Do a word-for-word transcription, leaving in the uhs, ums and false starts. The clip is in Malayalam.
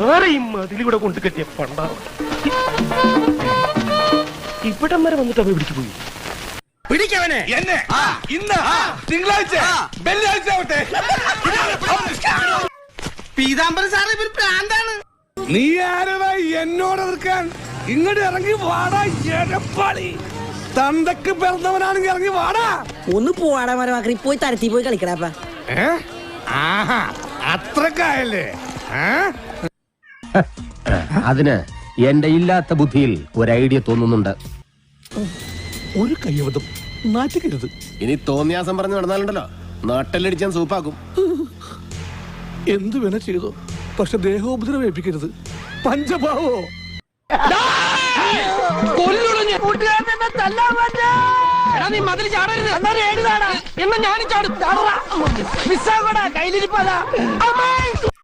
ആരെയും അതിലൂടെ കൊണ്ട് കെട്ടിയ പണ്ടാണ്. ഇവിടം വരെ വന്നിട്ട് അവ പിടിച്ചു പോയി. പിടിക്കവനെ എന്നെ ഇന്ന് തിങ്കളാഴ്ച വെള്ളിയാഴ്ച ആവട്ടെ. പീതാംബരൻ സാറ് ഇവർ പ്രാന്താണ്. നീ ആരവാ എന്നോട് എതിർക്കാൻ? ഇങ്ങോട്ട് ഇറങ്ങി വാടാ എരപ്പാളി. തന്തക്ക് പിറന്നവനാണെങ്കിൽ ഇറങ്ങി വാടാ. ഒന്ന് പോവാടാ മരമാക്കി പോയി തരത്തി പോയി കളിക്കടാപ്പ. ആഹാ അത്രക്കായല്ലേ? അതിന് എന്റെ ഇല്ലാത്ത ബുദ്ധിയിൽ ഒരു ഐഡിയ തോന്നുന്നുണ്ട്. ഒരു കയ്യബദ്ധം നാറ്റിക്കരുത്. ഇനി തോന്നിയാസം പറഞ്ഞു നടന്നാലുണ്ടല്ലോ നാട്ടിലടിച്ചാൻ സൂപ്പാക്കും. എന്തു വേണ ചെയ്തോ, പക്ഷെ ദേഹോപദ്രവേൽപ്പിക്കരുത്. പഞ്ചഭാവോ നീ മതിൽ ചാടരുത്. എന്നാ ഞാനും ചാടും. കയ്യിലിരിപ്പതാ.